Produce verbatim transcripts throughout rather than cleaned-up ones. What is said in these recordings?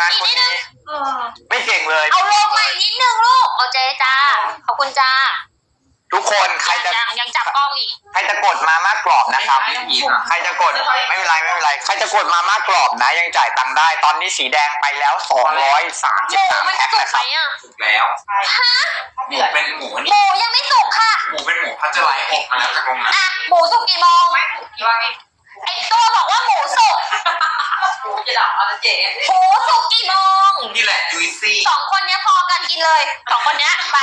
านคนนี้ไม่เก่งเลยเอาลงมาอีกนิดนึงลูกเอาเจจ้าขอบคุณจ้าทุกคนใครจะยังยังจับกล้องอีกใครจะกดมาม่ากรอบนะครับใครจะกดไม่เป็นไรไม่เป็นไรใครจะกดมาม่ากรอบนะยังจ่ายตังค์ได้ตอนนี้สีแดงไปแล้วสองร้อยสามสิบสามแพ็คนะครับถูกแล้วฮะหมูเป็นหมูนี่หมูยังไม่สุกค่ะหมูเป็นหมูพัชไลท์ออกมาแล้วจากโรงงานอ่ะหมูสุกกี่โมงไอตัวบอกว่าหมูสุกหมูจะดับอะไรเจ๊หมูสุกกี่โมงนี่แหละจุยซี่สองคนนี้พอกันกินเลยสองคนนี้ไป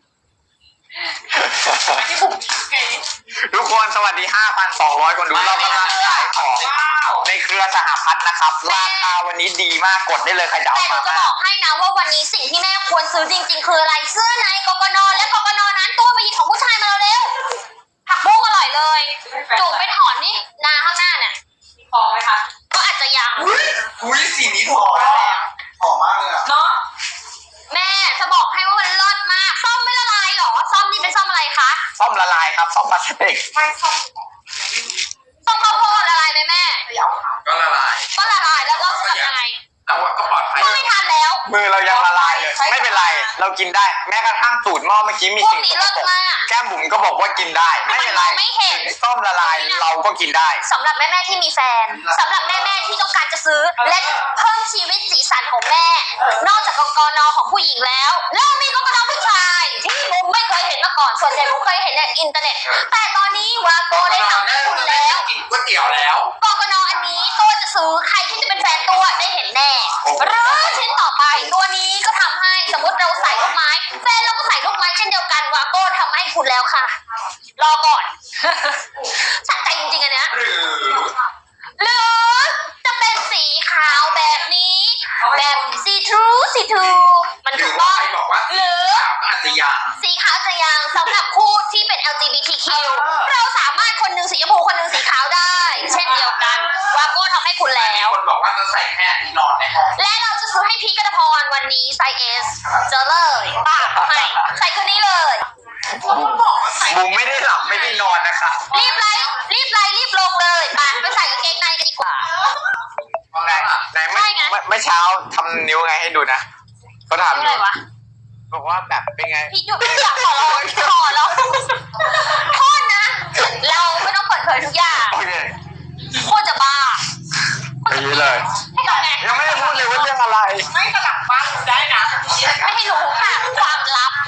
ทุกคนสวัสดี ห้าพันสองร้อย คนดูเรากำลังขายของในเครือสหพัฒน์นะครับราคาวันนี้ดีมากกดได้เลยใครจะเอามาแต่หนูจะบอกให้นะว่าวันนี้สิ่งที่แม่ควรซื้อจริงๆคืออะไรเสื้อในกกนและกกนนั้นตัวไปหยิบของผู้ชายมาเร็วผักบุ้งอร่อยเลยจุ่มไปถอนนี่นาข้างหน้าเนี่ยพอไหมคะก็อาจจะยังอุ้ยสีนี้หอมหอมมากเลยอะเนาะแม่จะบอกให้ว่ามันเลิศมากซ่อมไม่ละลายหรอซ่อมนี่เป็นซ่อมอะไรคะซ่อมละลายครับซ่อมพลาสติกไม่ซ่อมซ่อมข้าวโพดละลายไหมแม่ก็ละลายก็ละลายแล้วก็ทำยังไงแต่ว่าก็ปลอดภัยก็ไม่ทันแล้วมือเรายังละลายเลยไม่เป็นไรเรากินได้แม้กระทั่งสูตรหม้อเมื่อกี้มีสิ่งสกปรกแก้มบุ๋มก็บอกว่ากินได้ไม่เป็นไรต้มละลายเราก็กินได้สำหรับแม่ๆที่มีแฟนสำหรับแม่ๆที่ต้องการจะซื้อและเพิ่มชีวิตสีสันของแม่นอกจากกกนของผู้หญิงแล้วแล้วมีกกนผู้ชายที่บุ๋มไม่เคยเห็นมาก่อนส่วนใหญ่บุ๋มเคยเห็นในอินเทอร์เน็ตแต่ตอนนี้วาโกได้ทำให้คุณแล้วกินก๋วยเตี๋ยวแล้วกกนอันนี้ตัวจะซื้อใครที่จะเป็นแฟนตัวได้เห็นแน่หรือชิ้นต่อไปตัวนี้ก็ทำให้สมมติเราใส่ลูกไม้แฟนเราก็ใส่ลูกไม้เช่นเดียวกันวาโก้ทำให้คุณแล้วค่ะรอก่อนสะใจจริงๆอันเนี้ยหรือหรือจะเป็นสีขาวแบบนี้แบบซีทรูซีทรูมันถูกต้องหรืออาจจะยังสีขาวจะยังสำหรับคู่ที่เป็น แอล จี บี ที คิว เราสามารถคนหนึ่งสีชมพูคนหนึ่งสีขาวได้เช่นเดียวกันวาโก้ทำให้คุณแล้วคนบอกว่าจะใส่แค่นี้นอนในห้องและเราจะซื้อให้พีกัตพรวันนี้ไซส์ เอส เจอเลยป้าให้ใส่คืนนี้เลยบุ๋มไม่ได้หลับไม่ได้นอนนะคะรีบไลฟ์รีบไลฟ์รีบลงเลยไปไปใส่กางเกงในกันดีกว่าไหนไหนไม่ไม่เช้าทำนิ้วไงให้ดูนะเขาทำอยู่บอกว่าแบบเป็นไงพี่หยุดอยากขอร้องขอร้องโทษนะเราไม่ต้องเปิดเผยทุกอย่างโคตรจะบ้าอย่างนี้เลยยังไม่ได้พูดเลยว่าเรื่องอะไรไม่กระดับบ้างได้นะไม่ให้รู้ค่ะความลับ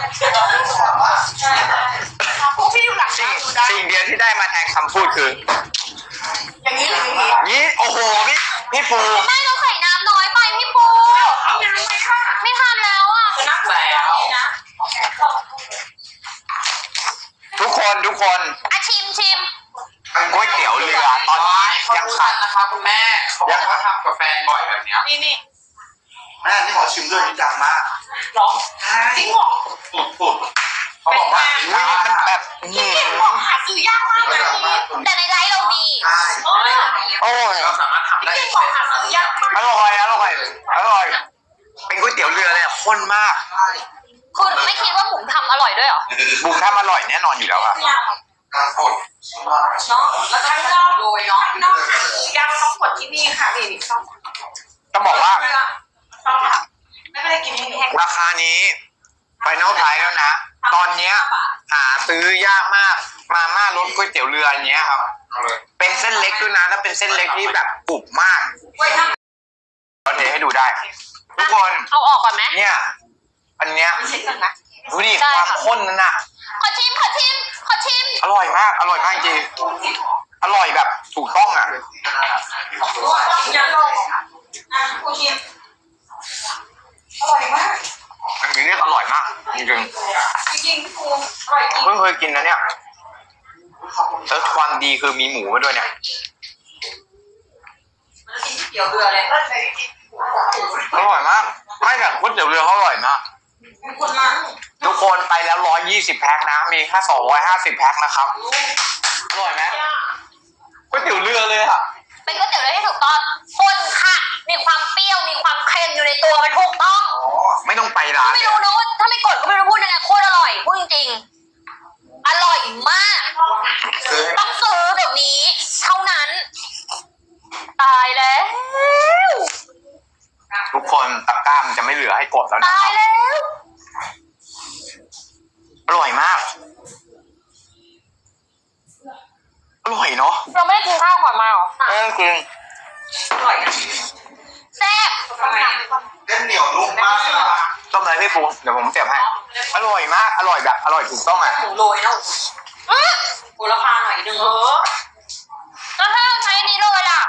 พวกพี่อยู่หลังสิ่งสิ่งเดียวที่ได้มาแทนคำพูดคืออย่างนี้อย่างนี้นี่โอ้โหพี่พี่ปูไม่เราใส่น้ำน้อยไปพี่ปูไม่ทันแล้วอ่ะนักแล้วนะทุกคนทุกคนอ่ะชิมชิมก๋วยเตี๋ยวเรือตอนนี้ยังขัดนะคะคุณแม่เขาบอกว่าทำกับแฟนบ่อยแบบนี้นี่นี่แม่นี่ขอชิมด้วยนี่ดังมากหรอจริงหรอปุดปุดเขาบอกว่าอุ้ยมันแบบนี่บอกหาซื้อยากมากนะแต่ในไลฟ์เรามีโอ้ยเราสามารถทำได้อร่อยอร่อยอร่อยเป็นก๋วยเตี๋ยวเรือเลยข้นมากคุณไม่คิดว่าบุ๋มทำอร่อยด้วยหรอบุ๋มทำอร่อยแน่นอนอยู่แล้วอะการกดเนาะแล้วข้างนอกโดยเนาะนอกยังต้องกดที่นี่ค่ะนี่ต้องต้องบอกว่าไม่เป็นไรกินแห้งราคานี้ไฟนอลไพรส์แล้วนะตอนเนี้ยหาซื้อยากมากมาม่ารสก๋วยเตี๋ยวเรืออันเนี้ยครับเป็นเส้นเล็กด้วยนะแล้วเป็นเส้นเล็กที่แบบกรุบมากเราเทให้ดูได้ทุกคนเอาออกก่อนไหมเนี่ยอันเนี้ยดูดิความข้นนั่นน่ะขอชิมขอชิมขอชิมอร่อยมากอร่อยมากจริงอร่อยแบบถูกต้องอ่ะยังลงอ่ะคุณชิมอร่อยมากอันนี้เรียกอร่อยมากจริงจริงๆคุณอร่อยจริงเพิ่งเคยกินนะเนี่ยแล้วความดีคือมีหมูมาด้วยเนี่ยเตี๋ยวเรือเลยอร่อยมากไม่แต่ก๋วยเตี๋ยวเรือเขาอร่อยมากทุกคนไปแล้วร้อยยี่สิบแพ็คนะมีแค่สองร้อยห้าสิบแพ็คนะครับอร่อยไหมก๋วยเตี๋ยวเรือเลยอะเป็นก๋วยเตี๋ยวเรือที่ถูกต้องคนค่ะมีความเปรี้ยวมีความเค็มอยู่ในตัวมันถูกต้องไม่ต้องไปร้านไม่รู้นะว่าถ้าไม่กดก็ไม่รู้พูดยังไงโคตรอร่อยพูดจริงๆอร่อยมากต้องซื้อเดี๋ยวนี้เท่านั้นตายแล้วทุกคนตะกร้ามันจะไม่เหลือให้กดแล้วนะตาคยรับแล้วอร่อยมากอร่อยเนาะเราไม่ได้กินข้าวก่อนมาหรอเออจริงอร่อยนะแซ่บทำไมเส้นเหนียวนุ่มมากเลยอะต้มอะไรพี่ปูเดี๋ยวผมเสียบให้อร่อยมากอร่อยแบบอร่อยถูกต้องอ่ะหมูโรยแล้วอื้อโหระพาหน่อยนึงเออแล้วถ้าเราใช้อันนี้เลยล่ะ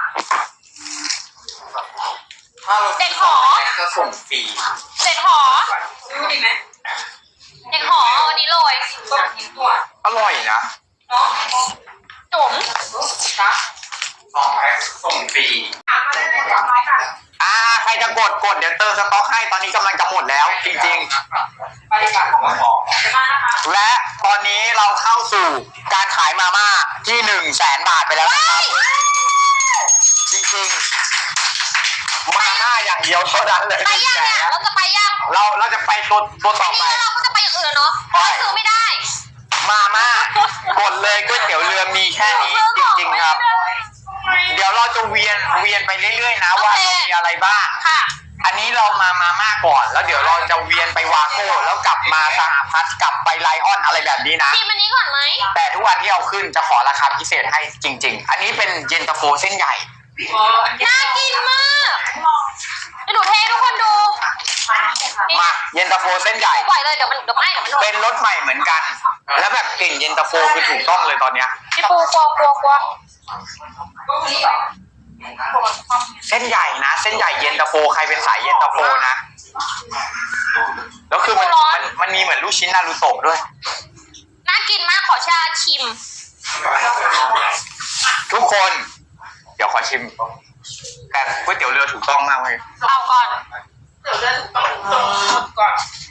ถ้าเราเด็กหอจะส่งฟรีเด็ดหอซื้อดีไหมเด็ดหอเอาอันนี้เลยต้มกินตัวอร่อยนะเนาะจุ๋มจ้ะสองแพ็คส่งฟรีถามมาได้เลยจ้ะไปค่ะอ่าใครจะกดกดเดี๋ยวเติมสต็อกให้ตอนนี้กำลังจะหมดแล้วจริงไปดีกว่าของหอมเดี๋ยวมานะคะๆ และตอนนี้เราเข้าสู่การขายมาม่าที่หนึ่งแสนบาทไปแล้วนะครับจริงๆมาม่าอย่างเดียวเท่านั้นเลยไปยังเนี่ยเราจะไปยังเราเราจะไปตัวตัวต่ออันไปนี้แล้วเราก็จะไปอย่างอื่นเนาะเพราะว่าซื้อไม่ได้มาม่ากดเลยก๋วยเตี๋ยวเรือมีแค่นี้จริงๆครับ เดี๋ยวเราจะเวียนเวียนไปเรื่อยๆนะว่าเรามีอะไรบ้างค่ะอันนี้เรามามาม่าก่อน แล้วเดี๋ยวเราจะเวียนไปวาโก้แล้วกลับมาสหพัฒน์กลับไปไลออนอะไรแบบนี้นะชิมอันนี้ก่อนไหมแต่ทุกวันที่เอาขึ้นจะขอราคาพิเศษให้จริง ๆ อันนี้เป็นเย็นตาโฟเส้นใหญ่เอออันนี้น่ากินมากเดี๋ยวหนูเทให้ทุกคนดูมาเย็นตาโฟเส้นใหญ่ปล่อยเลยเดี๋ยวมันเดี๋ยวไม่เดี๋ยวมันหมดเป็นรสใหม่เหมือนกัน แล้วแบบกลิ่นเย็นตาโฟคือถูกต้องเลยตอนเนี้ยพี่ปูกลัวกลัวกลัวก็มีเหรอเส้นใหญ่นะ เส้นใหญ่เย็นตาโฟใครเป็นสายเย็นตาโฟนะแล้วคือมันมันมันมีเหมือนลูกชิ้นนารูโตะด้วยน่ากินมากขอชาชิมทุกคน เดี๋ยวขอชิมแต่ก๋วยเตี๋ยวเรือถูกต้องมากเลยเอาก่อนเดี๋ยวเดินต้องต้องก่อน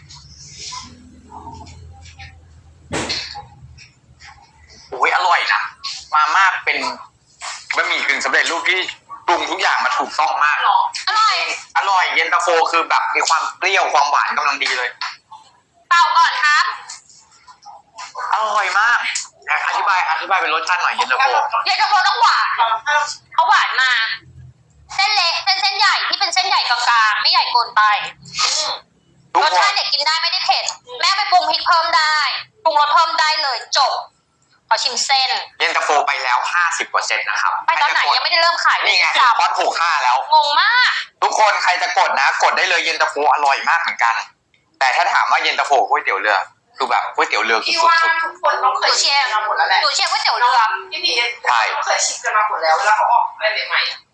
โอ้ยอร่อยนะมาม่าเป็นบะหมี่กึ่งสำเร็จรูปที่ปรุงทุกอย่างมาถูกต้องมากอร่อยอร่อยเย็นตาโฟคือแบบมีความเปรี้ยวความหวานกำลังดีเลยเปล่าก่อนครับอร่อยมากอ่ะอธิบายอธิบายเป็นรสชาติหน่อยเย็นตาโฟเย็นตาโฟต้องหวานเขาหวานมา เส้นเล็กเส้นเส้นใหญ่ที่เป็นเส้นใหญ่กลางๆไม่ใหญ่เกินไปทุกรสคชาน ติเด็กกินได้ไม่ได้เผ็ดแม่ไปปรุงพริกเพิ่มได้ปรุงรสเพิ่มได้เลยจบขอชิมเส้นเย็นตาโฟไปแล้วห้าสิบเปอร์เซ็นต์นะครับไปตอนไหนยังไม่ได้เริ่มขายเลยนี่ไงสับพอดถูกห้าแล้วงงมากทุกคนใครจะกดนะ กดได้เลยเย็นตาโฟอร่อยมากเหมือนกัน แต่ถ้าถามว่าเย็นตาโฟก๋วยเตี๋ยวเรือคือแบบก๋วยเตี๋ยวเรือคือพี่สุว่าดทุกคนต้องเคยชิมกันมาหมดแล้วแหละหนูเชียร์ก๋วยเตี๋ยวเรือพี่พีเขาเคยชิมกันมาหมดแล้วเวลาเขาออกอะไรใหม่ๆ